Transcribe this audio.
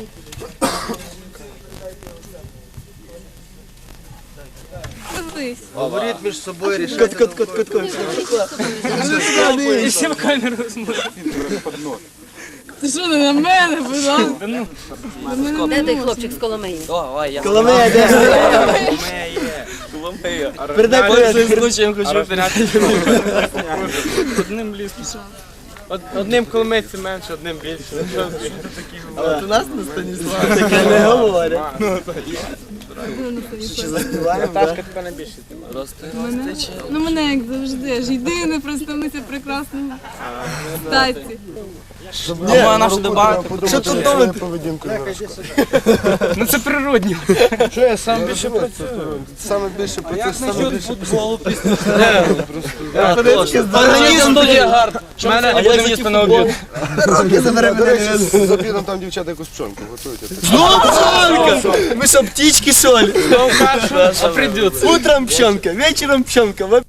Говорит между собой, решает. Кот. І всі в камеру смотрять. Ти що, не на мене, будь ласка? Де той хлопчик з Коломиї? Коломея, де? Передай привіт. Случаєм хочу передати. Одним близьким. Одним коломийцем менше, одним більше. От у нас на Станіславі таке не говорять. Чи заспіваємо, так? Ташка така найбільше. Ну мене як завжди, ж єдина представниця прекрасного статі. А нашу добавити. Що тут думати? Ну це природньо. Що я сам більше працюю? Саме більше працюю, саме більше футболу після Організм студія гард. Мене не будемо їсти на обід. руки забере До мене. речі, з обідом там дівчата якусь пшонку готують. Знову пчелка! Мы что, птички, что ли? А придеться. Утром пчелка, вечером пчелка, в